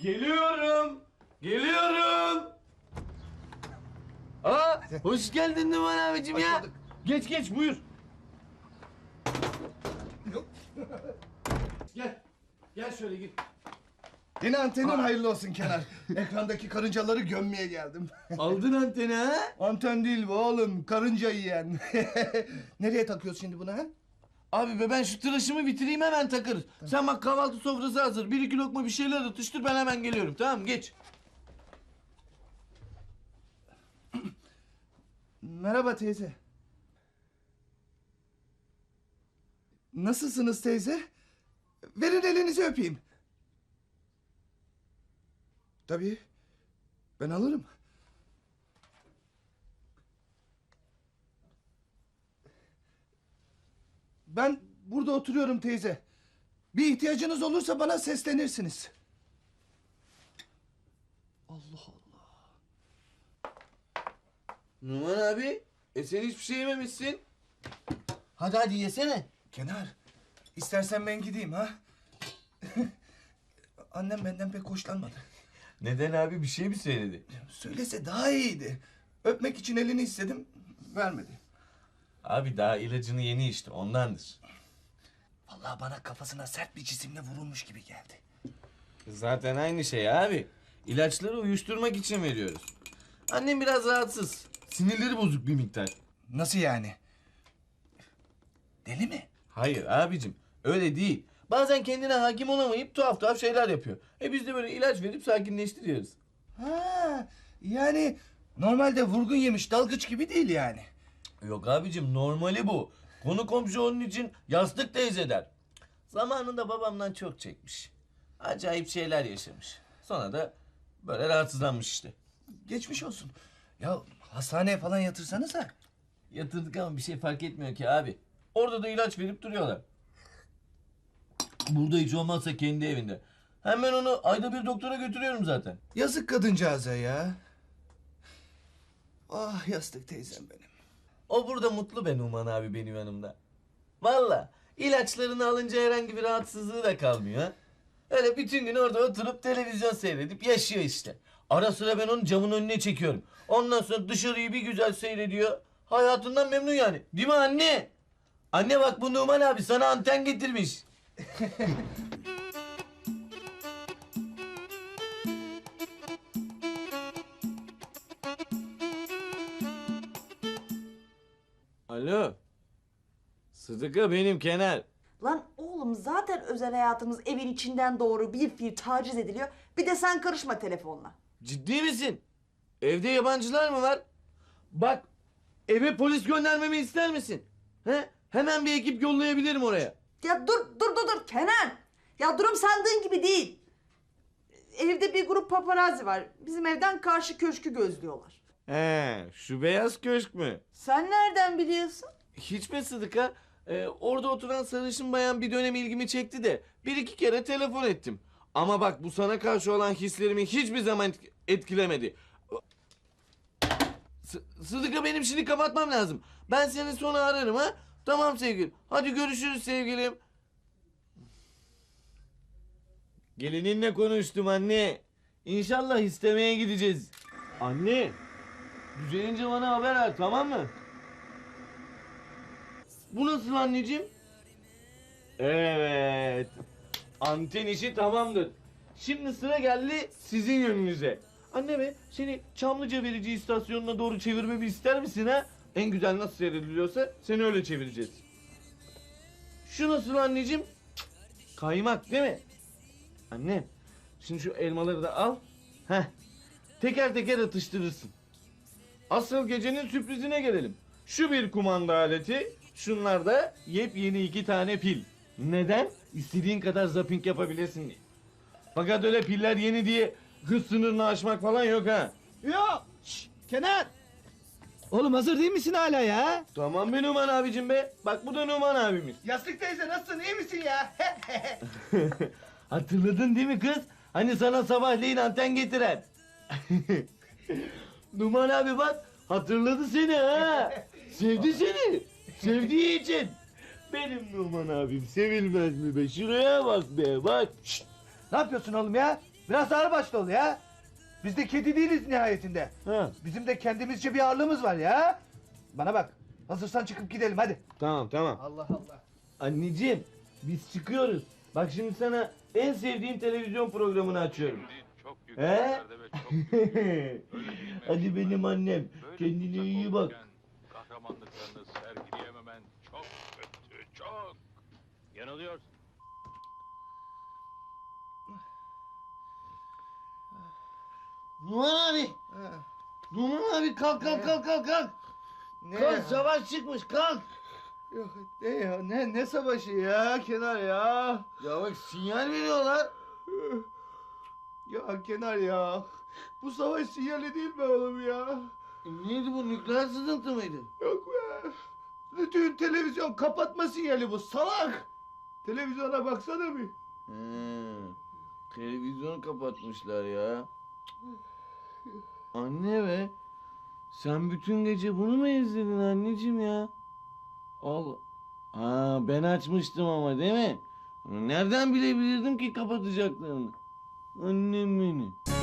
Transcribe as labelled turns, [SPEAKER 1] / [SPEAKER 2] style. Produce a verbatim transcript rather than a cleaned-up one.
[SPEAKER 1] Geliyorum. Geliyorum. Aa, hoş geldin Numan abicim ya.
[SPEAKER 2] bulduk.
[SPEAKER 1] Geç geç buyur. Gel. Gel şöyle gir.
[SPEAKER 2] Yine antenin hayırlı olsun Kenar. Ekrandaki karıncaları gömmeye geldim.
[SPEAKER 1] Aldın anteni ha?
[SPEAKER 2] Anten değil bu oğlum, karınca yiyen. Nereye takıyorsun şimdi bunu ha?
[SPEAKER 1] Abi be ben şu tıraşımı bitireyim hemen takarız. Sen bak kahvaltı sofrası hazır. Bir iki lokma bir şeyler atıştır ben hemen geliyorum tamam mı? Geç.
[SPEAKER 2] Merhaba teyze. Nasılsınız teyze? Verin elinizi öpeyim. Tabii. Ben alırım. Ben burada oturuyorum teyze. Bir ihtiyacınız olursa bana seslenirsiniz. Allah Allah.
[SPEAKER 1] Numan abi, e sen hiçbir şey yememişsin. Hadi hadi yesene.
[SPEAKER 2] Kenar, istersen ben gideyim ha. Annem benden pek hoşlanmadı.
[SPEAKER 1] Neden abi bir şey mi söyledi?
[SPEAKER 2] Söylese daha iyiydi. Öpmek için elini istedim, vermedi.
[SPEAKER 1] Abi daha ilacını yeni içti ondandır.
[SPEAKER 2] Vallahi bana kafasına sert bir cisimle vurulmuş gibi geldi.
[SPEAKER 1] Zaten aynı şey abi. İlaçları uyuşturmak için veriyoruz. Annem biraz rahatsız. Sinirleri bozuk bir miktar.
[SPEAKER 2] Nasıl yani? Deli mi?
[SPEAKER 1] Hayır abicim öyle değil. Bazen kendine hakim olamayıp tuhaf tuhaf şeyler yapıyor. E biz de böyle ilaç verip sakinleştiriyoruz.
[SPEAKER 2] Ha, yani normalde vurgun yemiş dalgıç gibi değil yani.
[SPEAKER 1] Yok abicim normali bu. Konu komşu onun için yastık teyze der. Zamanında babamdan çok çekmiş. Acayip şeyler yaşamış. Sonra da böyle rahatsızlanmış işte.
[SPEAKER 2] Geçmiş olsun. Ya hastaneye falan yatırsanıza.
[SPEAKER 1] Yatırdık ama bir şey fark etmiyor ki abi. Orada da ilaç verip duruyorlar. Burada hiç olmazsa kendi evinde. Hemen onu ayda bir doktora götürüyorum zaten.
[SPEAKER 2] Yazık kadıncağıza ya. Ah yastık teyzem benim.
[SPEAKER 1] O burada mutlu be Numan abi benim yanımda. Valla ilaçlarını alınca herhangi bir rahatsızlığı da kalmıyor ha. Öyle bütün gün orada oturup televizyon seyredip yaşıyor işte. Ara sıra ben onu camın önüne çekiyorum. Ondan sonra dışarıyı bir güzel seyrediyor. Hayatından memnun yani. Değil mi anne? Anne bak bu Numan abi sana anten getirmiş. Alo. Sıdıka benim Kenar.
[SPEAKER 3] Lan oğlum zaten özel hayatımız evin içinden doğru bir fiil taciz ediliyor. Bir de sen karışma telefonla.
[SPEAKER 1] Ciddi misin? Evde yabancılar mı var? Bak eve polis göndermemi ister misin? He? Hemen bir ekip yollayabilirim oraya.
[SPEAKER 3] Ya dur dur dur dur Kenan. Ya durum sandığın gibi değil. Evde bir grup paparazzi var. Bizim evden karşı köşkü gözlüyorlar.
[SPEAKER 1] He, şu beyaz köşk mü?
[SPEAKER 3] Sen nereden biliyorsun?
[SPEAKER 1] Hiç mi Sıdıka? Ee, orada oturan sarışın bayan bir dönem ilgimi çekti de bir iki kere telefon ettim. Ama bak bu sana karşı olan hislerimi hiçbir zaman etk- etkilemedi. S- Sıdıka benim şimdi kapatmam lazım. Ben seni sonra ararım ha. Tamam sevgilim. Hadi görüşürüz sevgilim. Gelininle konuştum anne. İnşallah istemeye gideceğiz. Anne. Düzelince bana haber ver tamam mı? Bu nasıl anneciğim? Evet. Anten işi tamamdır. Şimdi sıra geldi sizin yönünüze. Anne be seni Çamlıca verici istasyonuna doğru çevirmemi ister misin ha? En güzel nasıl seyrediliyorsa seni öyle çevireceğiz. Şu nasıl anneciğim? Cık, kaymak değil mi? Annem şimdi şu elmaları da al. Heh. Teker teker atıştırırsın. Asıl gecenin sürprizine gelelim. Şu bir kumanda aleti, şunlar da yepyeni iki tane pil. Neden? İstediğin kadar zapping yapabilirsin diye. Fakat öyle piller yeni diye hız sınırını aşmak falan yok ha.
[SPEAKER 4] Yok. Şşş, Kenan. Oğlum hazır değil misin hala ya?
[SPEAKER 1] Tamam be Numan abicim be. Bak bu da Numan abimiz.
[SPEAKER 2] Yastık teyze nasılsın, iyi misin ya?
[SPEAKER 1] Hatırladın değil mi kız? Hani sana sabahleyin anten getiren. Numan abi bak hatırladı seni ha. Sevdi seni. Sevdiği için. Benim Numan abim sevilmez mi be? Şuraya bak be bak. Şşt.
[SPEAKER 4] Ne yapıyorsun oğlum ya?
[SPEAKER 2] Biraz ağır başlı ol ya. Biz de kedi değiliz nihayetinde.
[SPEAKER 1] Ha,
[SPEAKER 2] Bizim de kendimizce bir ağırlığımız var ya. Bana bak. Hazırsan çıkıp gidelim hadi.
[SPEAKER 1] tamam tamam.
[SPEAKER 2] Allah Allah.
[SPEAKER 1] Anneciğim biz çıkıyoruz. Bak şimdi sana en sevdiğin televizyon programını açıyorum.
[SPEAKER 5] Çok
[SPEAKER 1] He?
[SPEAKER 5] yükseklerde ve çok büyük. Öyle değil mi
[SPEAKER 1] Hadi benim
[SPEAKER 5] Esma?
[SPEAKER 1] annem.
[SPEAKER 5] Böyle
[SPEAKER 1] Kendine
[SPEAKER 5] uzak
[SPEAKER 1] iyi bak.
[SPEAKER 5] olurken Kahramanlıklarını sergileyememen çok kötü, çok. Yanılıyorsun.
[SPEAKER 1] Numan abi. Numan abi kalk kalk kalk kalk kalk.
[SPEAKER 2] Ne
[SPEAKER 1] Kalk
[SPEAKER 2] ya?
[SPEAKER 1] savaş çıkmış kalk.
[SPEAKER 2] Yok, ne ya? Ne, ne savaşı ya Kenar ya?
[SPEAKER 1] Ya bak sinyal veriyorlar.
[SPEAKER 2] Ya Kenar ya. Bu savaş sinyali değil mi oğlum ya?
[SPEAKER 1] E, neydi bu nükleer sızıntı mıydı?
[SPEAKER 2] Yok be. Bütün televizyon kapatma sinyali bu salak. Televizyona baksana bir.
[SPEAKER 1] He, televizyonu kapatmışlar ya. Anne be. Sen bütün gece bunu mu izledin anneciğim ya? Allah. Ha ben açmıştım ama değil mi? Nereden bilebilirdim ki kapatacaklarını? Annem benim.